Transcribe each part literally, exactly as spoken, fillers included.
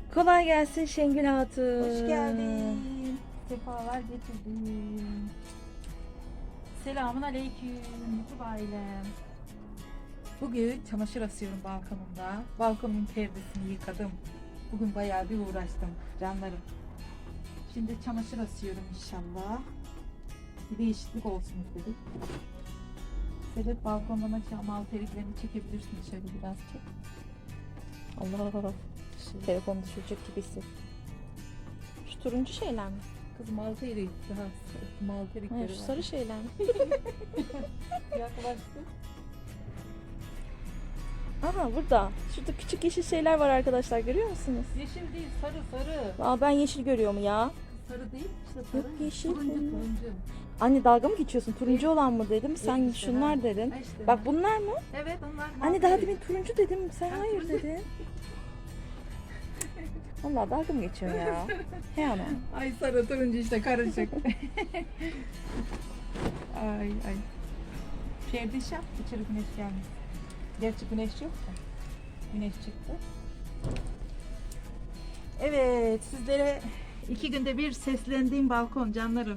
Kolay gelsin Şengül Hatun. Hoş geldin. Sefalar getirdin. Selamun aleyküm. Mutlu ailem. Bugün çamaşır asıyorum balkonumda. Balkonumun perdesini yıkadım. Bugün bayağı bir uğraştım canlarım. Şimdi çamaşır asıyorum inşallah. Bir değişiklik olsun istedik. Sedef balkondan aşağı mal teriklerini çekebilirsin, şöyle biraz çek. Allah Allah. Telefonu düşürecek gibi hissettim. Şu turuncu şeyler mi? Kız mal terik, daha mal terikleri Hayır, şu var. sarı şeyler mi? Yaklaştı. Aha burada. Şurada küçük yeşil şeyler var arkadaşlar, görüyor musunuz? Yeşil değil, sarı sarı. Aa, ben yeşil görüyorum ya. Sarı değil, işte sarı. Yok, yeşil Turuncu, bunlar. turuncu. Anne dalga mı geçiyorsun? Turuncu olan mı dedim. Sen Yok işte, şunlar ha. dedin. Ha işte, Bak ha. bunlar mı? Evet, onlar mal Anne daha terik. demin turuncu dedim. Sen Ha, hayır turuncu. dedin. Vallahi dalga mı geçiyorsun ya? He ana. Ay sarı turuncu işte karışık. ay ay. Perdiş yap, içeri güneş gelmiş. Gerçi güneş yok da. Güneş çıktı. Evet, sizlere iki günde bir seslendiğim balkon canlarım.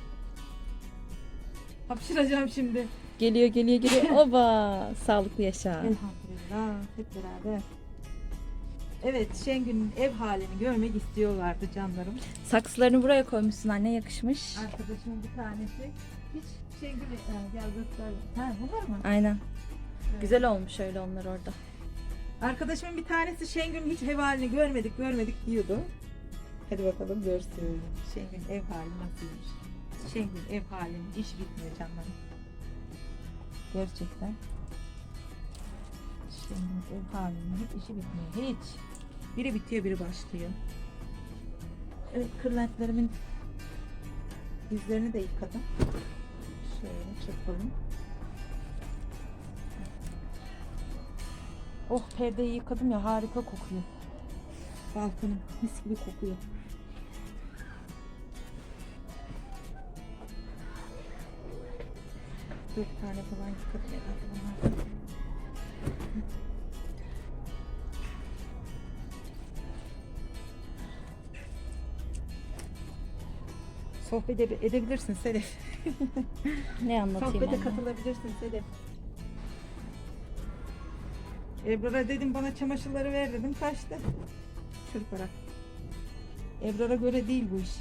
Hapşıracağım şimdi. Geliyor geliyor geliyor. Oba! Sağlıklı yaşa. Elhamdülillah, hep beraber. Evet, Şengül'ün ev halini görmek istiyorlardı canlarım. Saksılarını buraya koymuşsun anne, yakışmış. Arkadaşımın bir tanesi hiç Şengül'e e, gel göster. Ha, bunlar mı? Aynen. Evet. Güzel olmuş öyle onlar orada. Arkadaşımın bir tanesi Şengül'ün hiç ev halini görmedik görmedik diyordu. Hadi bakalım görsün. Şengül ev hali nasılmış? Şengül ev halinin iş bitmiyor canlarım. Gerçekten. Şengül ev halinin hiç işi bitmiyor. Hiç. Biri bitiyor biri başlıyor. Evet, kırlentlerimin yüzlerini de yıkadım. Şöyle çırpalım. Oh, perdeyi yıkadım ya, harika kokuyor. Balkonum mis gibi kokuyor. Dört tane falan yıkadım herhalde bunlar. Sohbet ede- edebilirsin Sedef. Ne anlatayım Sohbete anne? katılabilirsin Sedef. Ebrar'a dedim bana çamaşırları ver dedim, kaçtı. Çırparak. Ebrar'a göre değil bu iş.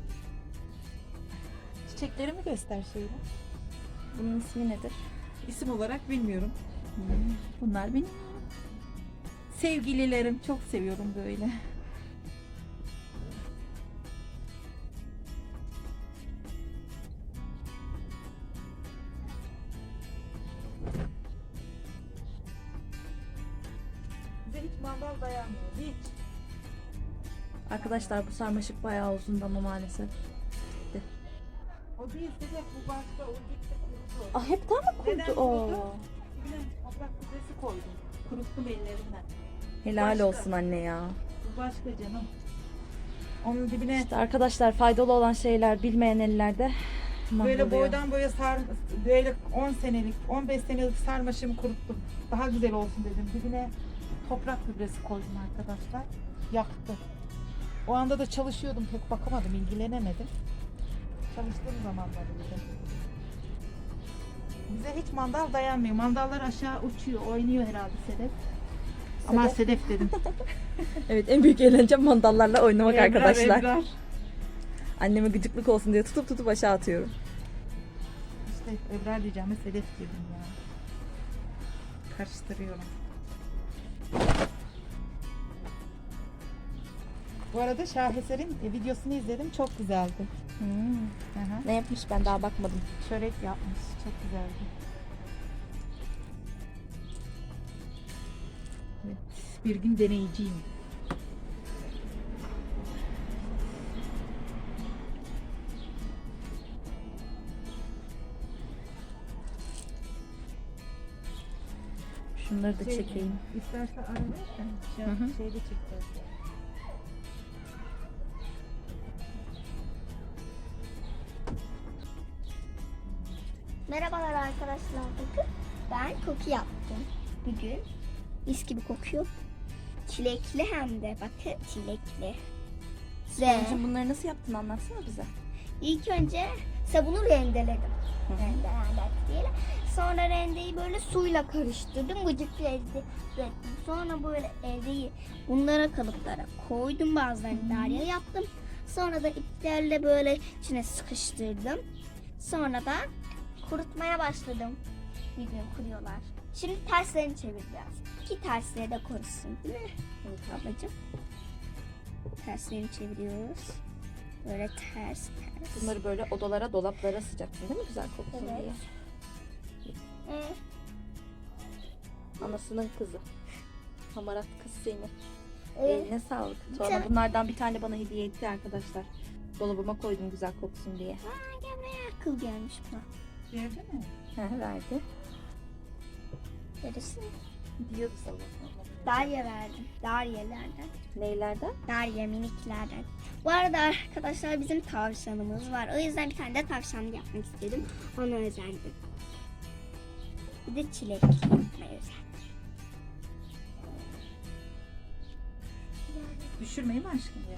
Çiçeklerimi göster şöyle. Bunun ismi nedir? İsim olarak bilmiyorum. Bunlar benim sevgililerim. Çok seviyorum böyle. Bize hiç mandal dayanmıyor. Hiç. Arkadaşlar bu sarmaşık bayağı uzun ama maalesef. O değil Sedef, bu başka. O gitti kurudu. Ah, hepten mi Neden kurdu o? kurudu? Dibine toprak gübresi koydum. Kuruttum ellerimden. Helal Başka. olsun anne ya. Bu başka canım. Onun dibine İşte arkadaşlar, faydalı olan şeyler bilmeyen ellerde böyle mahvoluyor. boydan boya sar, böyle on senelik, on beş senelik sarmaşığımı kuruttum. Daha güzel olsun dedim. Dibine toprak gübresi koydum arkadaşlar. Yaktı. O anda da çalışıyordum, pek bakamadım, ilgilenemedim. Çalıştığım zamanlarda dedim. Bize hiç mandal dayanmıyor. Mandallar aşağı uçuyor, oynuyor herhalde Sedef. Ama Sedef dedim. Evet, en büyük eğlencem mandallarla oynamak Ebrar, arkadaşlar. Ebrar. Anneme gıcıklık olsun diye tutup tutup aşağı atıyorum. İşte Ebrar diyeceğime Sedef dedim ya. Karıştırıyorum. Bu arada Şaheser'in videosunu izledim. Çok güzeldi. Hmm. Aha. Ne yapmış, ben daha bakmadım. Çörek yapmış. Çok güzeldi. Evet, bir gün deneyeceğim. Şunları da Şey, çekeyim. İstersen ara versen. Şey, Hı hı. şeyde çıktı. Merhabalar arkadaşlar, bakın ben koku yaptım bugün. Mis gibi kokuyor. Çilekli hem de. Bakın çilekli. Ve Sıla'cığım bunları nasıl yaptın anlatsana bize. ilk önce sabunu rendeledim. Rende, rende diyelim. Sonra rendeyi böyle suyla karıştırdım. Gıcık elde ettim. Sonra böyle eldeyi bunlara kalıplara koydum. Bazılarını darya yaptım. Sonra da iplerle böyle içine sıkıştırdım. Sonra da kurutmaya başladım. Bir gün kuruyorlar. Şimdi terslerini çevireceğiz. Ki tersleri de korusun değil mi? Evet ablacığım. Terslerini çeviriyoruz. Böyle ters ters. Bunları böyle odalara, dolaplara sıcaksın değil mi güzel koksun Evet. diye. Ee, Anasının kızı. Hamarat kız seni. e, Eline sağlık. Sonra Tamam. bunlardan bir tane bana hediye etti arkadaşlar. Dolabıma koydum güzel koksun diye. Aa, gel buraya akıl gelmiş buna. Verdi mi? He, verdi. Neresi? Diyordu sabah. Darya verdim. Daryelerden. Neylerden? Darya miniklerden. Bu arada arkadaşlar bizim tavşanımız var. O yüzden bir tane de tavşan yapmak istedim. Ona özendim. Bir de çilek yapmaya özendim. Düşürmeyi mi aşkım ya?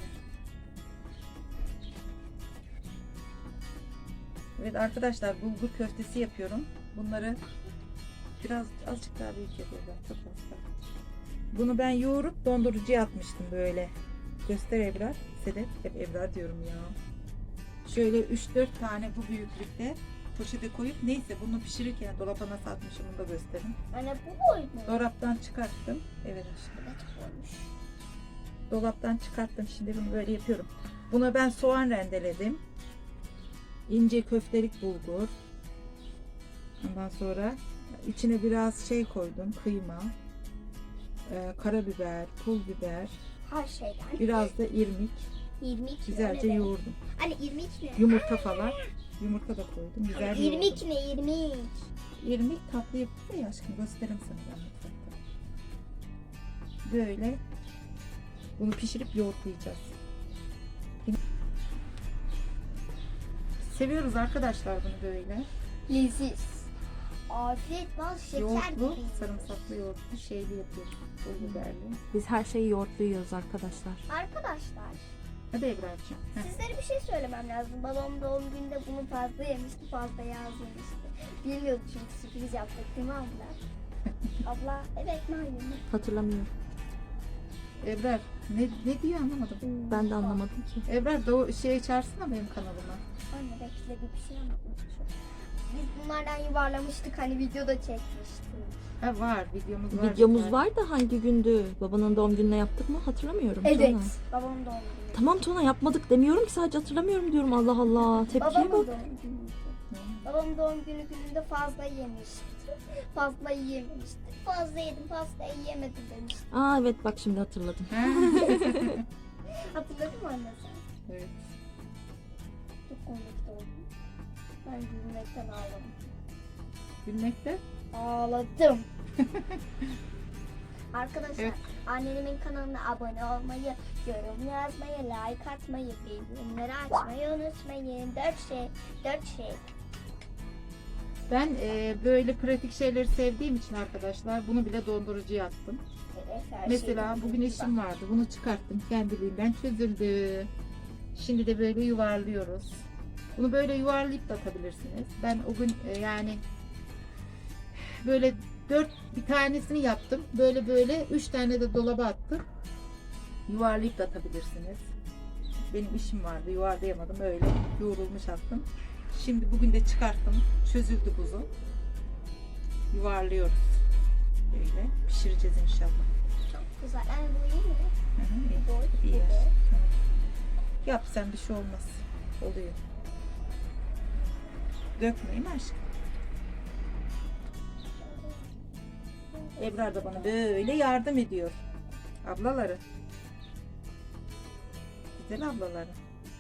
Evet arkadaşlar bulgur köftesi yapıyorum. Bunları biraz azıcık daha büyük yapıyorum. Çok fazla. Bunu ben yoğurup dondurucuya atmıştım böyle. Göster Ebrar. Sedef. Hep Ebrar diyorum ya. Şöyle üç dört tane bu büyüklükte poşete koyup neyse bunu pişirirken dolaba nasıl atmışım onu da gösterin. Anne bu boy mu? Dolaptan çıkarttım. Evet aşkım. Evet olmuş. Dolaptan çıkarttım. Şimdi bunu böyle yapıyorum. Buna ben soğan rendeledim. İnce köftelik bulgur. Ondan sonra içine biraz şey koydum. Kıyma. Ee, karabiber, pul biber. Her şeyden. Biraz da irmik. İrmik Güzelce öyle de. yoğurdum. Anne irmik ne? Yumurta falan. Yumurta da koydum. Güzel İrmik yoğurdum. ne irmik? İrmik tatlı yapıyor ya aşkım. Gösteririm sana ben mutfakta. Böyle bunu pişirip yoğurtlayacağız. Seviyoruz arkadaşlar bunu böyle. Leziz. Afiyet bal şeker Yoğurtlu, gibi. sarımsaklı yoğurtlu şeyli yapıyoruz. Pul biberli. Biz her şeyi yoğurtlu yiyoruz arkadaşlar. Arkadaşlar Hadi Ebrar'cığım. Heh. sizlere bir şey söylemem lazım. Babam doğum gününde bunu fazla yemişti, fazla yaz yemişti. Bilmiyordu çünkü sürpriz yaptık değil mi abla? Abla evet Nail'im. Hatırlamıyorum. Ebrar ne, ne diyor anlamadım. Ben de anlamadım ki. Ebrar da o şey çağırsana benim kanalıma. Anne bekle bir şey anlatmak istiyorum. Biz bunlardan yuvarlamıştık hani videoda çekmiştik. Ha var videomuz var. Videomuz zaten. var da hangi gündü? Babanın doğum gününe yaptık mı? Hatırlamıyorum. Evet. Tuna. Babamın doğum günü. Tamam Tuna yapmadık demiyorum ki sadece hatırlamıyorum diyorum. Allah Allah. Tepkiye Babamın bak. doğum günüydü. Babam doğum günü gününde fazla yemişti. Fazla yememişti. Fazla yedim, fazla yiyemedim demişti. Aa evet bak şimdi hatırladım. Ha? Hatırladın mı anne sen? Evet. Çok komik oldum. Ben gülmekten ağladım. Gülmekte. Ağladım. Arkadaşlar Evet. annemin kanalına abone olmayı, yorum yazmayı, like atmayı, bildirimleri açmayı unutmayın. Dört şey, dört şey. Ben e, böyle pratik şeyleri sevdiğim için arkadaşlar bunu bile dondurucuya attım. Evet, her Mesela şey. bugün işim vardı. Bunu çıkarttım. Kendiliğinden çözüldü. Şimdi de böyle yuvarlıyoruz. Bunu böyle yuvarlayıp da atabilirsiniz. Ben o gün e, yani böyle dört bir tanesini yaptım. Böyle böyle üç tane de dolaba attım. Yuvarlayıp da atabilirsiniz. Benim işim vardı. Yuvarlayamadım. Öyle yoğrulmuş attım. Şimdi bugün de çıkarttım. Çözüldü buzu. Yuvarlıyoruz. Böyle pişireceğiz inşallah. Çok güzel. Yani bu iyi mi? Hı hı, iyi. Bu boy, İyi bu yer. boy. Tamam. Yap sen bir şey olmaz. Oluyor. Dökmeyin aşkım. Ebrar da bana böyle yardım ediyor. Ablaları. Güzel ablaları.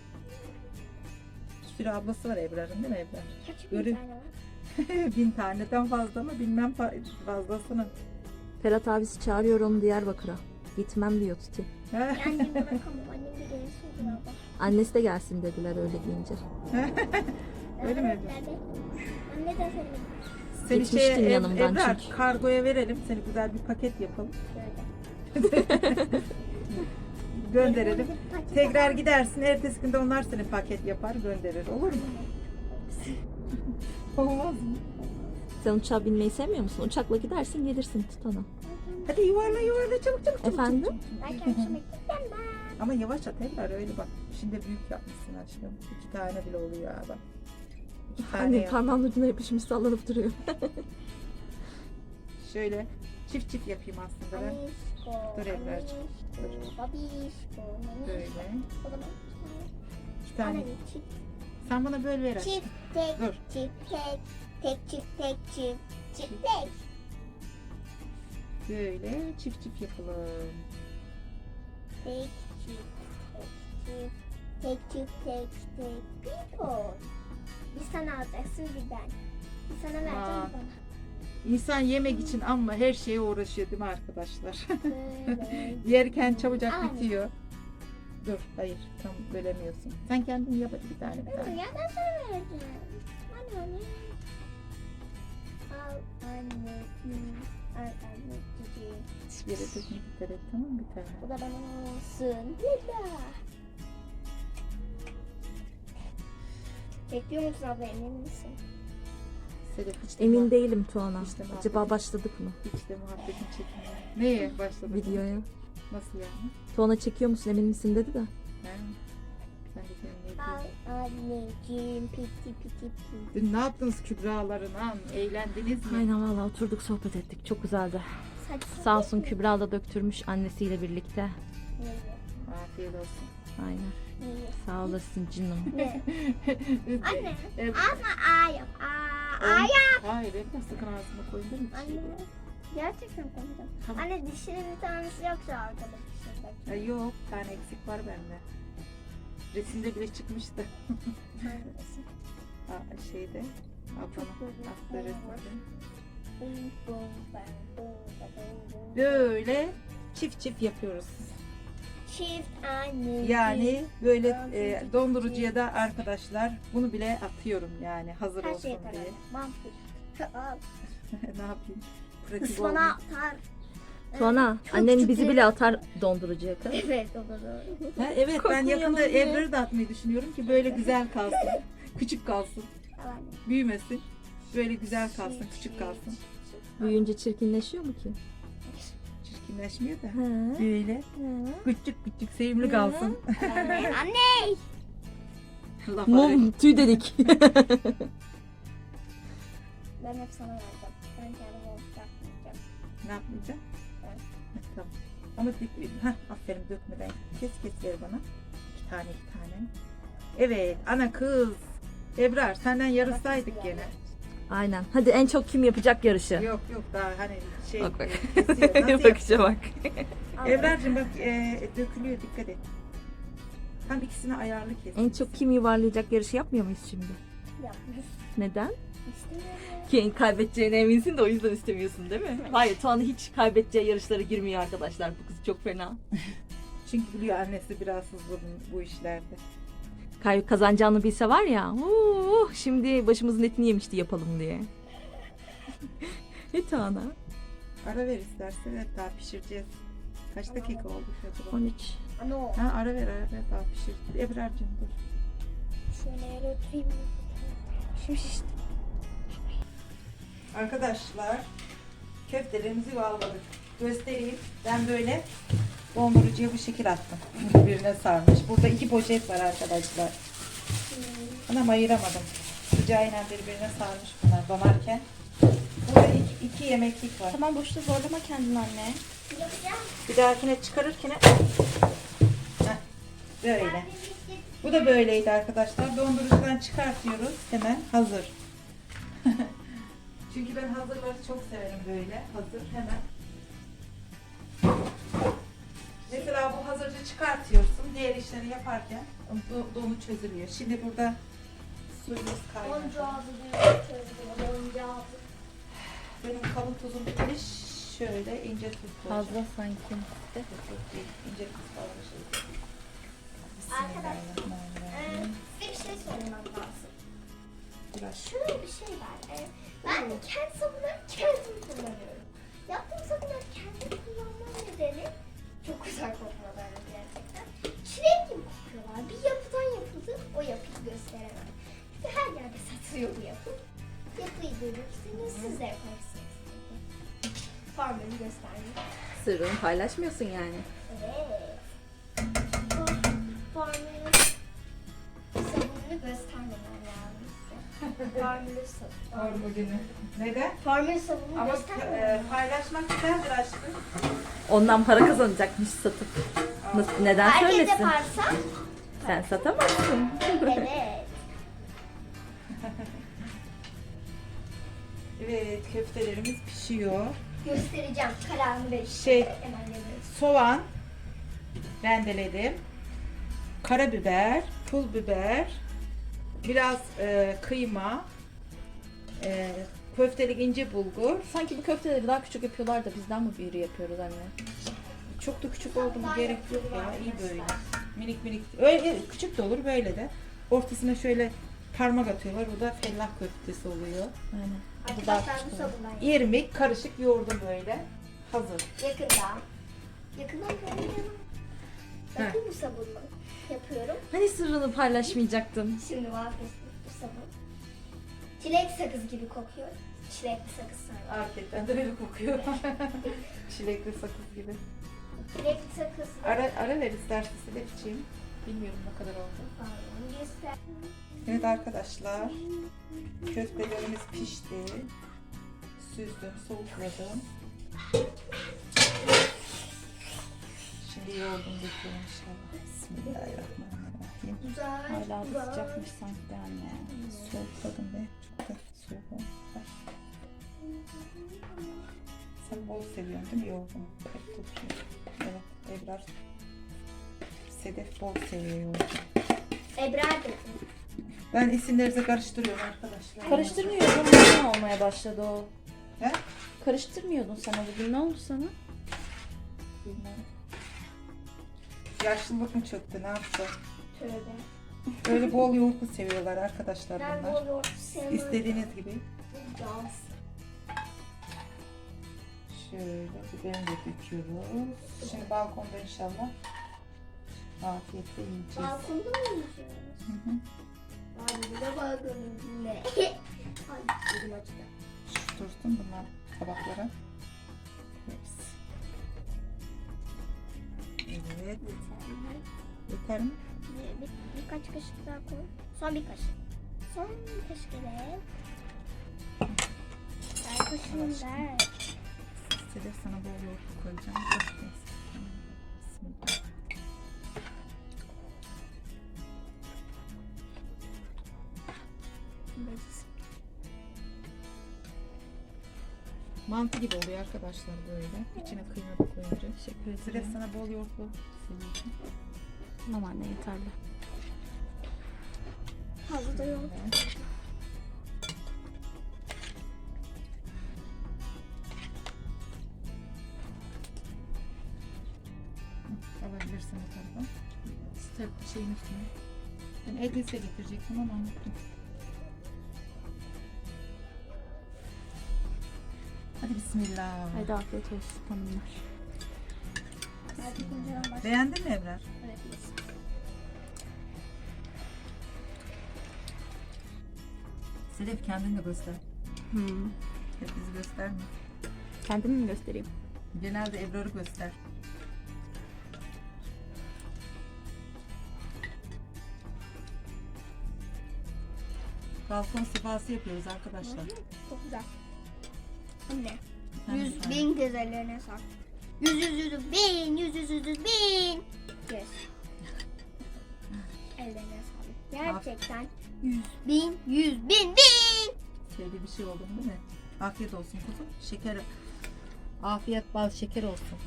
Bir sürü ablası var Ebrar'ın değil mi Ebrar? Kaç Görün. bin tane var? Bin taneden fazla mı bilmem fa- fazlasını. Ferhat abisi çağırıyor onu Diyarbakır'a. Gitmem diyor Tuti. Yani bırakamam. Annem de gelsin diyor abla. Annesi de gelsin dediler öyle deyince. Öyle mi Evet, Ebrar? nerede? Anne de söyledi. Seni Gitmiştin şeye, Eb- yanımdan Ebrar, çünkü. kargoya verelim. Seni güzel bir paket yapalım. Şöyle. Gönderelim. Tekrar gidersin. Ertesi günde onlar seni paket yapar gönderir. Olur mu? Olmaz mı? Sen uçağa binmeyi sevmiyor musun? Uçakla gidersin gelirsin Tutana. Hadi yuvarla yuvarla çabuk çabuk çabuk. Efendim? çabuk. Ben kendime gitmem ben. Ama yavaş at Ebrar öyle bak. Şimdi büyük yapmışsın aşkım. İki tane bile oluyor ha bak. İki tane Anne yap. parmağın ucuna yapışmış sallanıp duruyor. Şöyle çift çift yapayım aslında ben. Anişko, Dur Ebrar'cığım, dur. anişko, babişko, nanişko. Böyle. O zaman İki tane. Anne, çift, Sen bana böyle ver aşkım. çift, tek, Dur. çift, tek, tek, çift, tek, çift, çift, tek. Böyle çift çift yapalım. Tek, çift, tek, çift, tek, çift, tek, tek, people. Bir sana alacaksın bir ben. Bir sana vereceğim Aa. bir bana. İnsan yemek için ama her şeye uğraşıyor değil mi arkadaşlar? Böyle. Yerken çabucak Aynen. bitiyor. Dur hayır tam bölemiyorsun. Sen kendin yap hadi bir tane bir Dur tane. ya ben sana vereceğim. Anne anne. Al anneciğim. Al anneciğim. Hiçbir yere dökme dikkat et tamam mı bir tane? Bu da bana olsun. Lila. Bekliyor musun abla emin misin? Sedef hiç de Emin muhabbet- değilim Tuana. İşte muhabbet- Acaba başladık mı Hiç de muhabbetin çekmiyor. Neye başladın? videoya? Nasıl yani? Tuana çekiyor musun emin misin dedi de. He? Ben de senin ne Al diyeyim? anneciğim. Piti piti piti. Dün ne yaptınız Kübra'larına? Eğlendiniz mi? Aynen valla oturduk sohbet ettik. Çok güzeldi. Saçma Sağ olsun değil mi? Kübra da döktürmüş annesiyle birlikte. Neyi? Afiyet olsun. Aynen. Neyi? Sağ olasın canım. Ne? Anne. Evet. Ama A yap. A. A yap. Hayır Ebru sakın ağzıma koyun değil mi? Anne. Gerçekten koyacağım. Tamam. Anne dişinin bir tanesi yoksa arkada dişinde. Ay yok bir tane eksik var bende. Resimde bile çıkmıştı. Hangisi? Aa, şeyde. Ablamın güzel. attığı resimde. Bum, bum, bam, bum, bam, bum. Böyle çift çift yapıyoruz. Çift anne. Yani böyle e, dondurucuya da arkadaşlar bunu bile atıyorum yani hazır her olsun şey atar diye. anne. Vampir. Al. Ne yapayım? Pratik Bana olmuyor. atar. Tuana Çok annen çok bizi iyi. bile atar dondurucuya kız. Evet o da doğru. Ha, evet ben Korkmayalım yakında diye. Ebru'yu da atmayı düşünüyorum ki böyle güzel kalsın. Küçük kalsın. Al anne. Büyümesin. Böyle güzel kalsın, küçük kalsın. Büyüyünce çirkinleşiyor mu ki? Çirkinleşmiyor da. He. Böyle küçük küçük sevimli kalsın. Anne. Anne. Laf Mum tüy dedik. Ben hep sana vereceğim. Ben kendime yapmayacağım. Ne yapmayacağım? Evet. Tamam. Ama dik- hah, aferin dökmeden kes kes ver bana. İki tane iki tane. Evet ana kız. Ebrar senden yarışsaydık gene. Aynen. Hadi en çok kim yapacak yarışı? Yok yok daha hani şey Bak bak. e, kesiyor. Nasıl Bakışa bak. Al. Ebrar'cığım bak e, dökülüyor dikkat et. Tam ikisini ayarlı kes. En çok kim yuvarlayacak yarışı yapmıyor muyuz şimdi? Yapmış. Neden? İstemiyorum. Ki kaybedeceğine eminsin de o yüzden istemiyorsun değil mi? Hayır Tuana hiç kaybedeceği yarışlara girmiyor arkadaşlar. Bu kız çok fena. Çünkü biliyor annesi biraz hızlı bu, bu işlerde. Kay kazanacağını bilse var ya. Uh, şimdi başımızın etini yemişti yapalım diye. E Tuana. Ara ver istersen evet daha pişireceğiz. Kaç dakika oldu acaba? on üç. Ana o. Ha ara ver ara ver daha pişir. Ebrar'cığım dur. Şöyle yere oturayım. Şimdi şişti. Arkadaşlar köftelerimizi yuvarladık. Göstereyim. Ben böyle dondurucuya bu şekil attım. Birbirine sarmış. Burada iki poşet var arkadaşlar. Ama ayıramadım. Sıcağıyla birbirine sarmış bunlar donarken. Burada iki, iki yemeklik var. Tamam boşta zorlama kendini anne. Yapacağım. Bir dahakine çıkarırken heh, böyle. Bu da böyleydi arkadaşlar. Dondurucudan çıkartıyoruz. Hemen hazır. Çünkü ben hazırları çok severim böyle. Hazır hemen. Mesela bu hazırcı çıkartıyorsun. Diğer işleri yaparken do- donu çözülüyor. Şimdi burada suyumuz kaynadı. Boncağızı diyor. Boncağızı. Benim kalın tuzum bitmiş. Şöyle ince tuz koyacağım. Fazla sanki. Yok, yok değil. İnce tuz fazla şey. Arkadaşlar, Ee, Bismillahirrahmanirrahim. size bir şey söylemem lazım. Biraz Şöyle bir şey var. Ee, ben kendi sabunları kendim kullanıyorum. Yaptığım sabunları kendim kullanmam nedeni verirsiniz, siz de yaparsınız. Formülü göstereyim. Sırrını paylaşmıyorsun yani. Evet. Bu formülün sabununu göstermemem lazım size. Formülü sabunu. Formülünü. Neden? Formül sabunu Ama göstermemem. e, paylaşmak güzeldir aşkım. Ondan para kazanacakmış satıp. Nasıl, neden Herkes söylesin? yaparsa. Sen satamazsın. Evet. Evet, köftelerimiz pişiyor. Göstereceğim. Kararını verin. Şey- Hemen veriyorum. Soğan rendeledim. Karabiber, pul biber, biraz e, kıyma, e, köftelik ince bulgur. Sanki bu köfteleri daha küçük yapıyorlar da bizden mi büyürü yapıyoruz anne? Çok da küçük oldu mu gerek yok ya. İyi böyle. Minik minik. Öyle küçük de olur böyle de. Ortasına şöyle parmak atıyorlar. O da fellah köftesi oluyor. Aynen. Bu daha Arkadaşlar bu küçük olur. sabundan. İrmik karışık yoğurdum böyle. Hazır. Yakında. Yakında böyle. Bakın bu sabunla yapıyorum. Hani sırrını paylaşmayacaktın? Şimdi vazgeçtim bu sabun. Çilek sakız gibi kokuyor. Çilekli sakız sarma. Hakikaten de öyle kokuyor. Çilekli sakız gibi. Çilekli sakız. Ara, ara ver istersen de içeyim. Bilmiyorum ne kadar oldu. Pardon, göster. Evet arkadaşlar. Köftelerimiz pişti. Süzdüm, soğukladım. Şimdi yoğurdum döküyorum inşallah. Bismillahirrahmanirrahim. Güzel. Hala güzel. da sıcakmış sanki anne. Soğukladım be. Çok da soğuk olmuş. Sen bol seviyorsun değil mi yoğurdunu? Hep tutuyor. Evet, Ebrar. Sedef bol seviyor yoğurdu. Ebrar dedi. Ben isimlerinizi karıştırıyorum arkadaşlar. Karıştırmıyordun. Neden olmaya başladı o? He? Karıştırmıyordun sen o bugün. Ne oldu sana? Bilmem. Yaşlılık mı çöktü ne yaptı? Tövbe. Böyle bol yoğurtlu seviyorlar arkadaşlar Ben bunlar. bol yoğurt sevmem. İstediğiniz gibi. Dans. Şöyle biberini de döküyoruz. Şimdi balkonda inşallah afiyetle yiyeceğiz. Balkonda mı yiyeceğiz? Hı hı. Ay bir de balkonun ne? Ay elim acıdı. Şu dursun bunlar tabaklara. Hepsi. Evet. Yeter mi? Bir, bir, birkaç kaşık daha koy. Son bir kaşık. Son bir kaşık evet. Ver kaşığını ver. Sedef sana bol yoğurt koyacağım. Bak, neyse. Bismillah. Mantı gibi oluyor arkadaşlar böyle. İçine kıyma da koyunca. Teşekkür Sedef sana bol yoğurtlu seviyorsun. Tamam anne yeterli. Fazla da yok. Evet. Alabilirsin bu tarafa. Step şeyin üstüne. Ben el lise getirecektim ama unuttum. Hadi bismillah. Hadi afiyet olsun hanımlar. Hadi kocaman başla. Beğendin mi Ebrar? Evet. Sedef kendini de göster. Hmm. Hep bizi gösterme. Kendimi mi göstereyim? Genelde Ebrar'ı göster. Balkon sefası yapıyoruz arkadaşlar. Çok güzel. Anne. Sen Yüz sen. bin güzellerine sar. Yüz yüz yüz bin. Yüz yüz yüz yüz bin. Yes. Ellerine sağlık. Gerçekten yüz bin. Yüz bin bin. Şöyle bir şey oldu mu değil mi? Afiyet olsun kuzum. Şeker. Afiyet bal şeker olsun.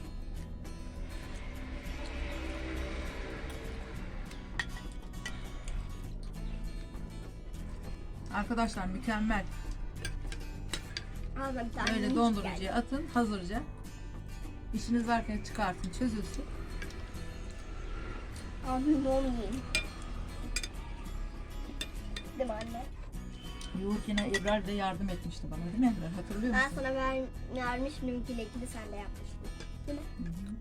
Arkadaşlar mükemmel. Al da bir tane Böyle minicik dondurucuya geldi. atın hazırca. İşiniz varken çıkartın çözülsün. Ağzını dolu yiyin. Değil mi anne? Yoğurken Ebrar da yardım etmişti bana değil mi Ebrar? Hatırlıyor Ben musun? sana ver, vermiştim kilekini sen de yapmıştın. Değil mi? Hı hı.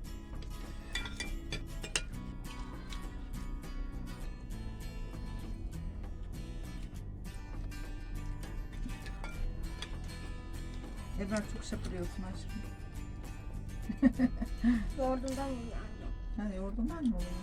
Ebrar çok şapırıyorsun aşkım. Yoğurdundan mı yani? Ha, yoğurdundan mı oluyor?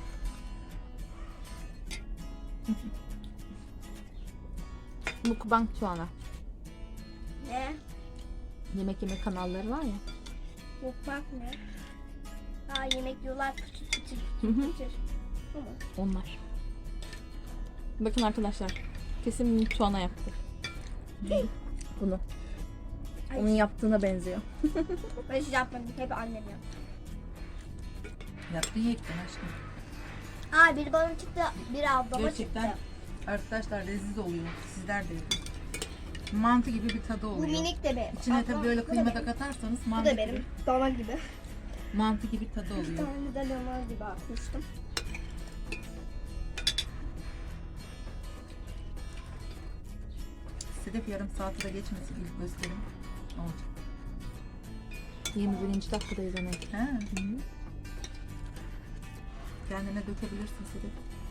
Mukbang Tuana. Ne? Yemek yeme kanalları var ya. Mutfak ne? Aa yemek yiyorlar küçük küçük Hı hı. küçük. Tamam. Onlar. Bakın arkadaşlar. Kesin Tuana yaptı. Bunu. Ay. Onun yaptığına benziyor. Ben hiç yapmadım. Hep annem yaptı. Yaptın yektin aşkım. Aa biri bana çıktı. Biri ablama Gerçekten çıktı. arkadaşlar leziz oluyor. Sizler de yapın. Mantı gibi bir tadı Bu oluyor. minik de benim. İçine Ablam, tabii böyle bu da kıyma da benim. katarsanız Bu mantı da benim. gibi, Dana gibi. mantı gibi tadı Bir oluyor. tane de dana gibi atmıştım. Sedef yarım saati de geçmesin ilk gösterim. Olacak. yirmi birinci dakikadayız hemen. Ha. Kendine dökebilirsin Sedef.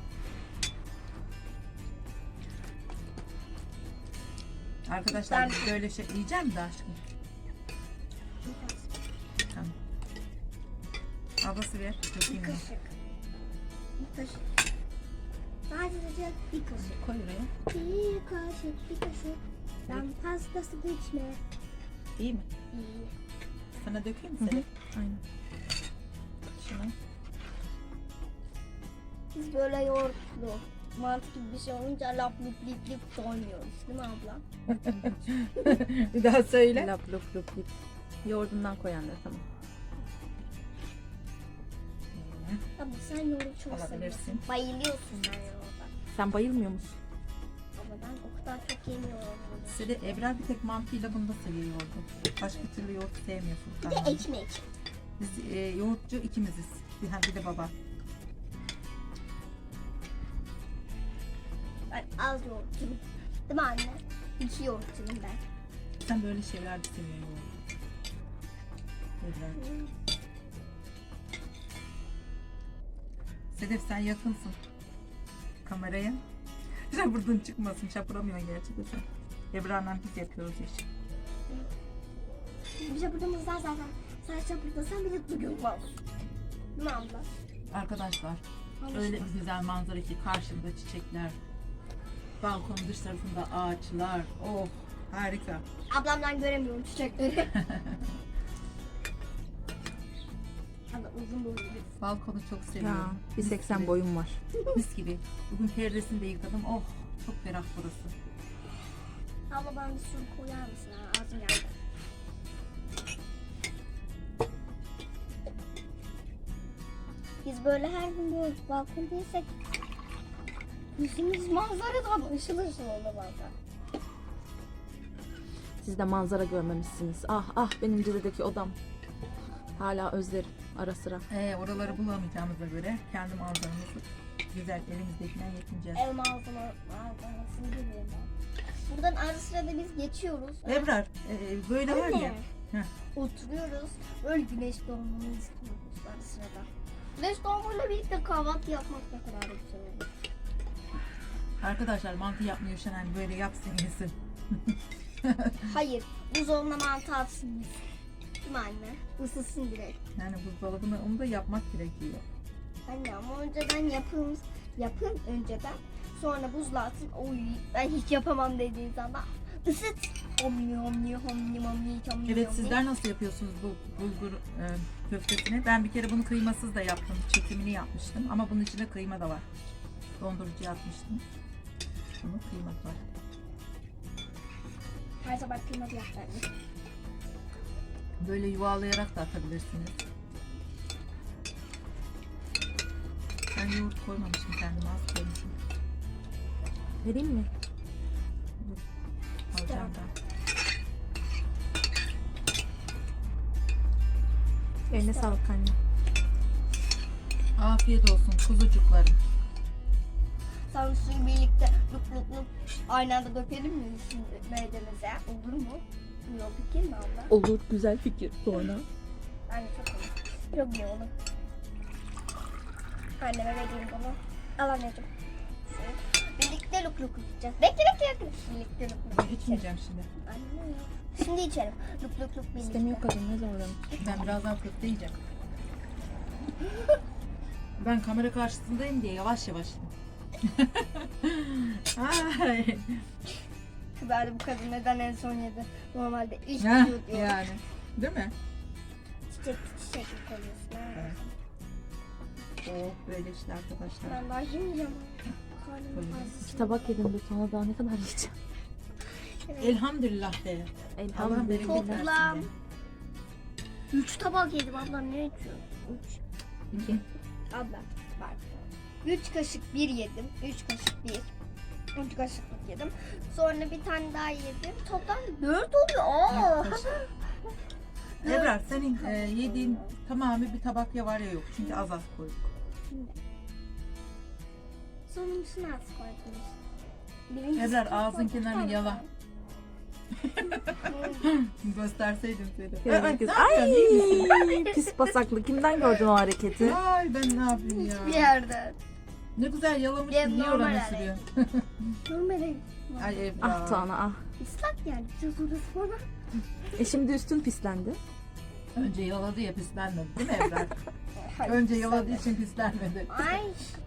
Arkadaşlar Ben- biz böyle şey yiyeceğim de aşkım. Tamam. Ablası ver. Bir Dökeyim ben. kaşık. Bir kaşık. Sadece bir kaşık. Koy oraya. Bir kaşık, bir kaşık. Ben pastası geçme. İyi mi? İyi. Sana dökeyim mi Hı hı. Sedef? Aynen. Şunu. Biz böyle yoğurtlu, mantı gibi bir şey olunca lap lip lip lip doymuyoruz değil mi abla? Bir daha söyle. Lap lup lup lip. Yoğurdundan koyanlar tamam. Abla sen yoğurdu çok Alabilirsin. seviyorsun. Bayılıyorsun sen yoğurda. Sen bayılmıyor musun? Ama ben o kadar çok yemiyorum. Sedef, Ebrar bir tek mantıyla bunu da seviyor yoğurdu. Başka türlü yoğurt sevmiyor Bir Furkan. de ekmek. Biz e, yoğurtçu ikimiziz. Bir, ha, bir de baba. Ben az yoğurtçuyum. Değil mi anne? İki yoğurtçuyum ben. Sen böyle şeyler de seviyor yoğurdu. Ebrar. Sedef sen yakınsın kameraya. Şapırdın çıkmasın. Şapıramıyorsun gerçekten sen. Ebrar'la biz yapıyoruz iş. Bir şapırdamızdan zaten sen şapırdasan bile duyulmaz. Değil mi abla? Arkadaşlar öyle bir güzel manzara ki karşımda çiçekler. Balkonun dış tarafında ağaçlar. Oh harika. Ablamdan göremiyorum çiçekleri. Abla uzun boylu bir. Balkonu çok Ya seviyorum. bir Mis seksen gibi, boyum var. Mis gibi. Bugün perdesini de yıkadım. Oh çok ferah burası. Abla bana bir su koyar mısın? Ha, ağzım geldi. Biz böyle her gün böyle balkondaysak yüzümüz manzaradan ışıl ışıl olur bazen. Siz de manzara görmemişsiniz. Ah ah benim Cide'deki odam. Hala özlerim ara sıra. Ee, oraları bulamayacağımıza göre kendi manzaramızı güzel elimizdekinden yetineceğiz. Ev malzeme malzemesini biliyorum ben. Buradan ara sırada biz geçiyoruz. Ebrar e, böyle var ya. Heh. Oturuyoruz. Böyle güneş doğumunu izliyoruz ara sırada. Güneş doğumuyla birlikte kahvaltı yapmak ne kadar da güzel olur. Arkadaşlar mantı yapmıyor Şenen böyle yapsın yesin. Hayır, buzdolabına mantı atsın biz. Değil mi anne? Isısın direkt. Yani buzdolabına onu da yapmak gerekiyor. Anne ama önceden yapın, yapın önceden. Sonra buzluğa atın. Oy ben hiç yapamam dediğin zaman ısıt. Omni omni omni omni omni. Evet omni. sizler nasıl yapıyorsunuz bu bulgur e, köftesini? Ben bir kere bunu kıymasız da yaptım. Çekimini yapmıştım ama bunun içinde kıyma da var. Dondurucuya atmıştım. Bunun kıyması var. Her sabah kıymalı yap anne. Böyle yuvalayarak da atabilirsiniz. Ben yoğurt koymamışım kendime az koymuşum. Vereyim mi? Alacağım da. Eline sağlık anne. Afiyet olsun kuzucuklarım. Sen suyu birlikte lup lup lup aynı anda dökelim mi şimdi meydemize? Olur mu? Yok fikir mi abla? Olur güzel fikir sonra. Anne çok olur. Çok iyi olur. Anneme vereyim bunu. Al anneciğim. Birlikte luk luk yapacağız. Bekle bekle bekle. Birlikte luk luk Ben yapacağız. içmeyeceğim şimdi. Anne ya. Şimdi içelim. Luk luk luk birlikte. İstemiyor kadın ne zorlanır. Ben birazdan köfte yiyeceğim. Ben kamera karşısındayım diye yavaş yavaş. Ay. Ben de bu kadın neden en son yedi? Normalde iş Heh, diyor diyor. yani. Değil mi? Çiçek çiçek koyuyorsun. ha. Evet. Oh böyle işte arkadaşlar. Ben daha yemeyeceğim. Karnım Koyuyoruz. ağrıyor. İki tabak yedim de sonra daha ne kadar yiyeceğim. Evet. Elhamdülillah de. Allah bereket Elhamdülillah. versin Toplam. de. Üç tabak yedim abla, ne içiyorsun? Üç. İki. Abla bak. Üç kaşık bir yedim. Üç kaşık bir. Üç kaşıklık yedim. Sonra bir tane daha yedim. Toplam dört oluyor. Aa. Dört kaşık. Ebrar senin e, yediğin tamamı bir tabak ya var ya yok. Çünkü az az koyduk. Sonuncusunu az koydunuz. Birincisi Ebrar çok ağzın koyduk. kenarını yala. Gösterseydim seni. Evet, Ay, kız. ne yapıyorsun, iyi misin? Ay pis basaklı. Kimden gördün o hareketi? Ay ben ne yapayım Bir ya. yerde. Ne güzel yalamışsın. Benim Niye normal oranı hali. sürüyor? Normale. Ay Ebrar. Ah Tuana ah. Islak yani. Biraz orası bana. E şimdi üstün pislendi. Önce yaladı ya pislenmedi değil mi Ebrar? Önce yaladığı için pislenmedi. Ay.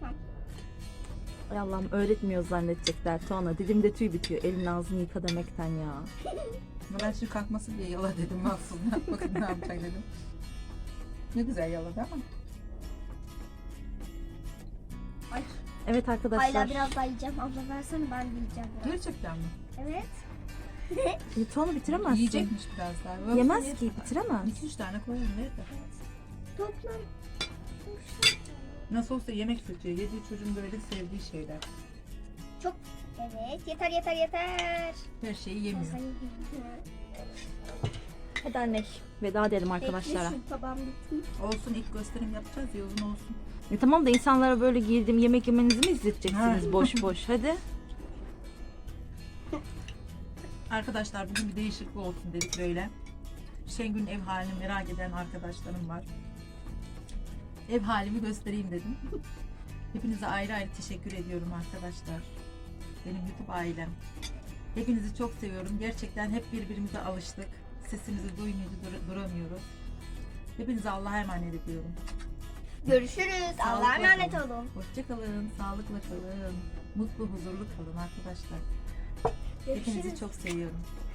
Ay Allah'ım öğretmiyor zannedecekler Tuana. Dilimde tüy bitiyor. Elin ağzını yıka demekten ya. Ama ben şu kalkmasın diye yala dedim aslında. Bakın ne yapacak dedim. Ne güzel yaladı ama. Ay. Evet arkadaşlar. Hala biraz daha yiyeceğim. Abla versene, ben de yiyeceğim biraz. Gerçekten mi? Evet. E, Tuana bitiremezsin. Yiyecekmiş biraz daha. Yoksa Yemez yeter. ki bitiremez. İki üç tane koyalım yeter. Toplam. Nasıl olsa yemek seçiyor. Yediği çocuğun böyle sevdiği şeyler. Çok. Evet. Yeter yeter yeter. Her şeyi yemiyor. Hadi anne. Veda edelim arkadaşlara. Bekle şu tabağım bitsin. Olsun ilk gösterim yapacağız ya uzun olsun. E, tamam da insanlara böyle girdim yemek yemenizi mi izleteceksiniz Ha. boş boş? Hadi. Arkadaşlar bugün bir değişiklik olsun dedik böyle. Şengül'ün ev halini merak eden arkadaşlarım var. Ev halimi göstereyim dedim. Hepinize ayrı ayrı teşekkür ediyorum arkadaşlar. Benim YouTube ailem. Hepinizi çok seviyorum. Gerçekten hep birbirimize alıştık. Sesimizi duymayınca dur- duramıyoruz. Hepinize Allah'a emanet ediyorum. Görüşürüz. Allah'a Sağlıkla emanet kalın. olun. Hoşça kalın, sağlıkla kalın. Mutlu, huzurlu kalın arkadaşlar. Hepinizi Görüşürüz. çok seviyorum.